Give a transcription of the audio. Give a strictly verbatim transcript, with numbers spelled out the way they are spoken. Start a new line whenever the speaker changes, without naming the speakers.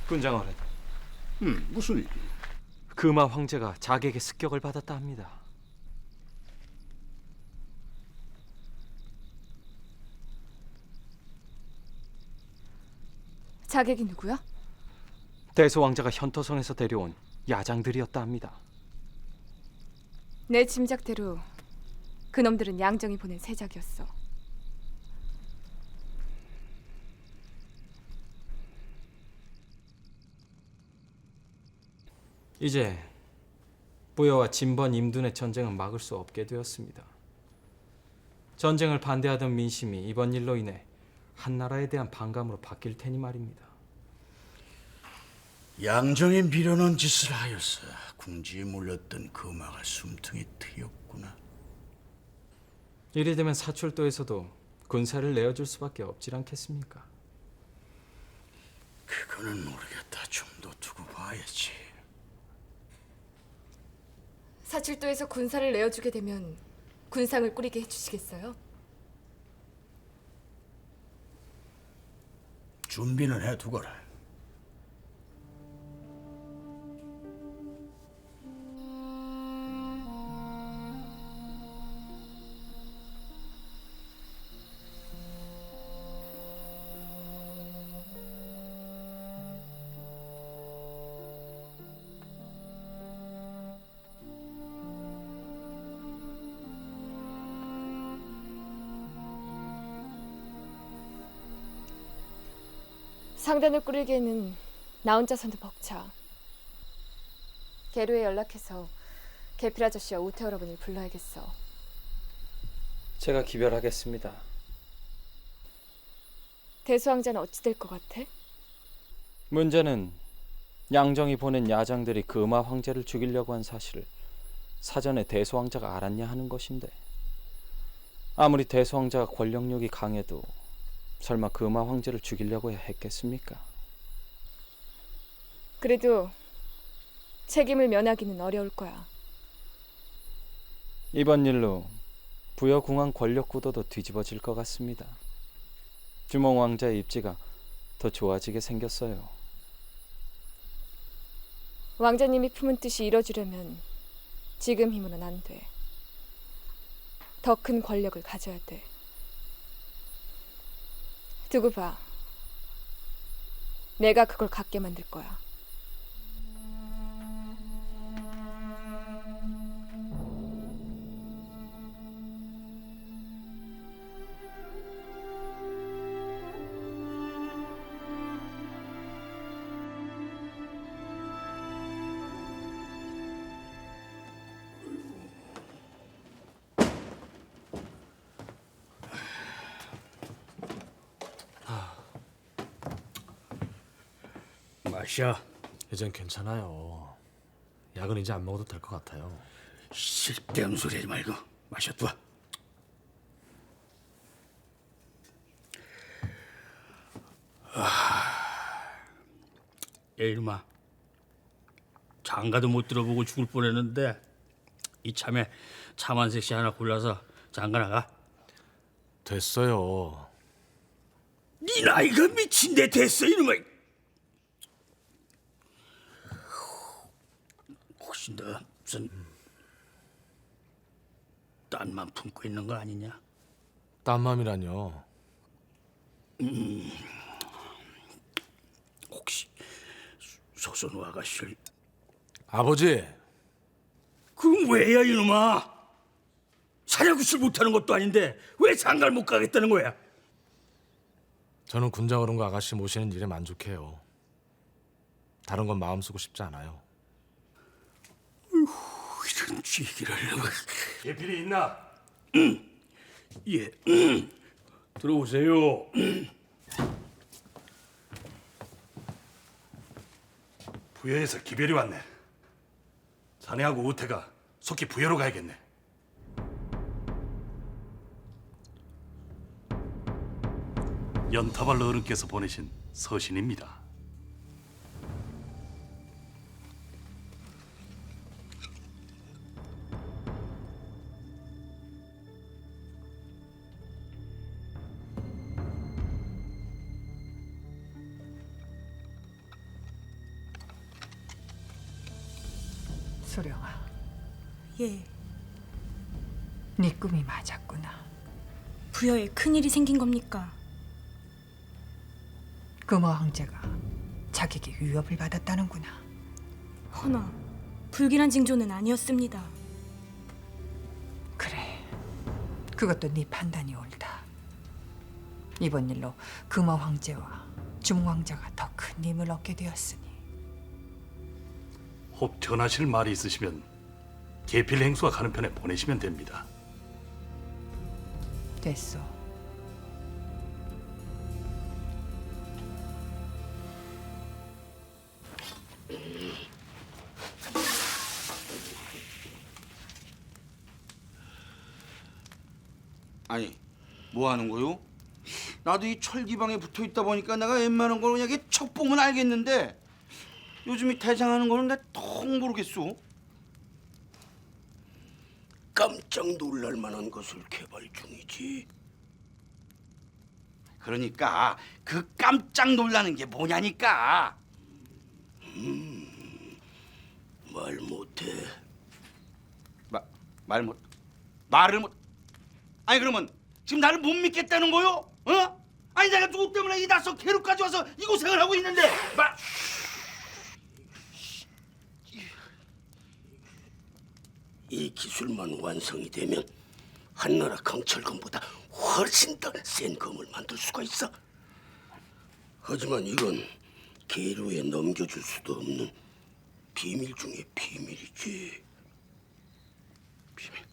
군장어른,
음, 무슨 일?
금화 황제가 자객의 습격을 받았다 합니다.
자객이 누구야?
대소 왕자가 현토성에서 데려온 야장들이었다 합니다.
내 짐작대로 그놈들은 양정이 보낸 세작이었어.
이제 부여와 진번 임둔의 전쟁은 막을 수 없게 되었습니다. 전쟁을 반대하던 민심이 이번 일로 인해 한나라에 대한 반감으로 바뀔 테니 말입니다.
양정의 미련한 짓을 하여서 궁지에 몰렸던 금화가 숨통이 트였구나.
이리 되면 사출도에서도 군사를 내어줄 수밖에 없질 않겠습니까?
그거는 모르겠다. 좀 더 두고 봐야지.
사칠도에서 군사를 내어주게 되면 군상을 꾸리게 해주시겠어요?
준비는 해두거라.
상단을 꾸리기에는 나 혼자서는 벅차. 계류에 연락해서 계필 아저씨와 우태 여러분을 불러야겠어.
제가 기별하겠습니다.
대수왕자는 어찌 될 것 같아?
문제는 양정이 보낸 야장들이 금화 황제를 죽이려고 한 사실을 사전에 대소 왕자가 알았냐 하는 것인데, 아무리 대소 왕자가 권력력이 강해도 설마 금화 황제를 죽이려고 해야 했겠습니까?
그래도 책임을 면하기는 어려울 거야.
이번 일로 부여궁왕 권력 구도도 뒤집어질 것 같습니다. 주몽 왕자의 입지가 더 좋아지게 생겼어요.
왕자님이 품은 뜻이 이뤄주려면 지금 힘으로는 안 돼. 더 큰 권력을 가져야 돼. 두고 봐. 내가 그걸 갖게 만들 거야.
마셔.
이젠 괜찮아요. 약은 이제 안 먹어도 될 것 같아요.
쓸데없는 소리 하지 말고 마셔둬. 아, 야 이놈아, 장가도 못 들어보고 죽을 뻔했는데 이참에 차만색시 하나 골라서 장가 나가.
됐어요.
네 나이가 미친데 됐어 이놈아. 혹시 너 무슨 딴만 품고 있는 거 아니냐?
딴 맘이라뇨.
혹시 소선우 아가씨를.
아버지,
그럼 왜야 이놈아? 사냐구실 못하는 것도 아닌데 왜 장가를 못 가겠다는 거야?
저는 군장 어른과 아가씨 모시는 일에 만족해요. 다른 건 마음 쓰고 싶지 않아요.
이런 쥐기를.
예필이 있나?
예. 음. 들어오세요.
부여에서 기별이 왔네. 자네하고 우태가 속히 부여로 가야겠네. 연타발 어른께서 보내신 서신입니다.
소령아,
예,
네 꿈이 맞았구나.
부여에 큰일이 생긴 겁니까?
금호 황제가 자기에게 위협을 받았다는구나.
허나 불길한 징조는 아니었습니다.
그래, 그것도 네 판단이 옳다. 이번 일로 금호 황제와 중 황제가 더 큰 힘을 얻게 되었으니
혹 전하실 말이 있으시면 계필 행수가 가는 편에 보내시면 됩니다.
됐소.
아니, 뭐 하는 거요? 나도 이 철기방에 붙어 있다 보니까 내가 웬만한 걸 그냥 이렇게 척 보면 알겠는데 요즘 이 대장하는 거는 내가 통 모르겠소.
깜짝 놀랄 만한 것을 개발 중이지.
그러니까 그 깜짝 놀라는 게 뭐냐니까.
말 못해.
마, 말 못, 말을 못. 아니 그러면 지금 나를 못 믿겠다는 거요? 어? 아니 내가 누구 때문에 이 낯선 계루까지 와서 이 고생을 하고 있는데. 마.
이 기술만 완성이 되면 한나라 강철검보다 훨씬 더 센 검을 만들 수가 있어. 하지만 이건 계류에 넘겨줄 수도 없는 비밀 중의 비밀이지.
비밀.